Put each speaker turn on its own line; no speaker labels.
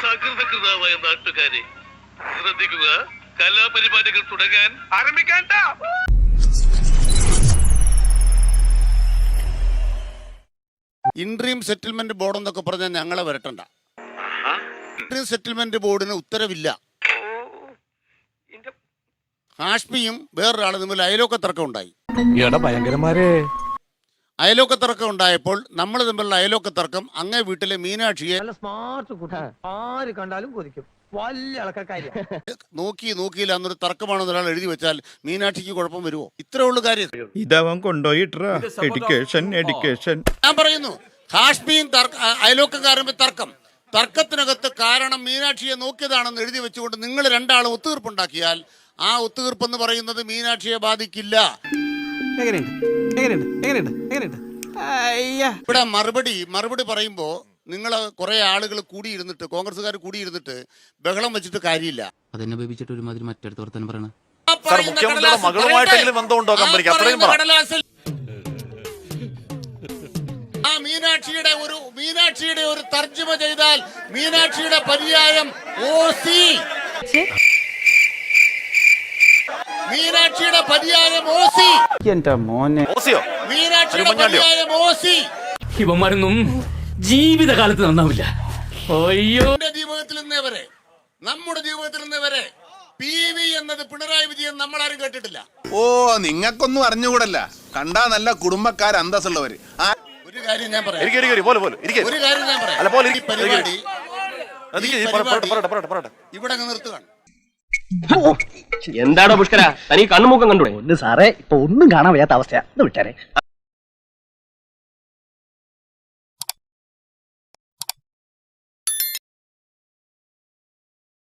സകൃതകൃതമായ നാട്ടുകാരെ ശ്രദ്ധിക്കുക, കലാപരിപാടികൾ തുടങ്ങാൻ ആരംഭിക്കാൻ.
ഇൻട്രീം സെറ്റിൽമെന്റ് ബോർഡ് എന്നൊക്കെ പറഞ്ഞാൽ ഞങ്ങളെ വരട്ടണ്ട. ഇൻട്രീം സെറ്റിൽമെന്റ് ബോർഡിന് ഉത്തരവില്ല. ഹാഷ്മിയും വേറൊരാളും തമ്മിൽ അയലോക്കത്തർക്കം ഉണ്ടായി. അയലോക്കത്തർക്കം ഉണ്ടായപ്പോൾ നമ്മൾ തമ്മിലുള്ള അയലോക്കത്തർക്കം അങ്ങേ വീട്ടിലെ മീനാക്ഷിയെ നോക്കിയില്ല എന്നൊരു തർക്കമാണെന്ന് ഒരാൾ എഴുതി വെച്ചാൽ മീനാക്ഷിക്ക് കുഴപ്പം വരുമോ? ഇത്രേ ഉള്ളു കാര്യം.
ഇതവൻ കൊണ്ടുപോയിട്ടാ എഡ്യൂക്കേഷൻ.
ഞാൻ പറയുന്നു, ഹാഷ്മിയും അയലോക്കക്കാരും തർക്കത്തിനകത്ത് കാരണം മീനാക്ഷിയെ നോക്കിയതാണെന്ന് എഴുതി വെച്ചുകൊണ്ട് നിങ്ങൾ രണ്ടാളും ഒത്തുതീർപ്പുണ്ടാക്കിയാൽ ആ ഒത്തുതീർപ്പെന്ന് പറയുന്നത് മീനാക്ഷിയെ ബാധിക്കില്ല. ഇവിടെ മറുപടി പറയുമ്പോ നിങ്ങൾ കുറെ ആളുകൾ കൂടിയിരുന്നിട്ട്, കോൺഗ്രസ്സുകാർ കൂടിയിരുന്നിട്ട് ബഹളം വെച്ചിട്ട് കാര്യമില്ല.
അതെന്നെ ബേബിച്ചിട്ട് ഒരുമാതിരി മറ്റടുത്ത് വർത്തനം പറയണ
മീനാക്ഷിയുടെ ഒരു തർജ്ജമ ചെയ്താൽ മീനാക്ഷിയുടെ പര്യായം ഓസി. മീനാക്ഷിയുടെ പര്യായം ഓസി. മീനാക്ഷിയുടെ പര്യായം ഓസി.
ഇവന്മാരൊന്നും ജീവിതകാലത്ത് നന്നാവില്ല.
ജീവിതത്തിൽ നിന്നവരെ, നമ്മുടെ ജീവിതത്തിൽ നിന്നവരെ PV എന്നത് പിണറായി വിജയൻ നമ്മളാരും കേട്ടിട്ടില്ല.
ഓ, നിങ്ങൾക്കൊന്നും അറിഞ്ഞുകൂടല്ല. കണ്ടാ നല്ല കുടുംബക്കാർ, അന്തസ്സുള്ളവര്.
ഒരു കാര്യം ഞാൻ പറയാം, ഈ പരിപാടി ഇവിടെ നിർത്തുകയാണ്.
എന്താണോ പുഷ്കര, തനിക്ക് കണ്ണുമുക്കം കണ്ടൂടെ? സാറേ, ഇപ്പൊ ഒന്നും കാണാൻ വയ്യാത്ത അവസ്ഥയാ. വിട്ടാരെ.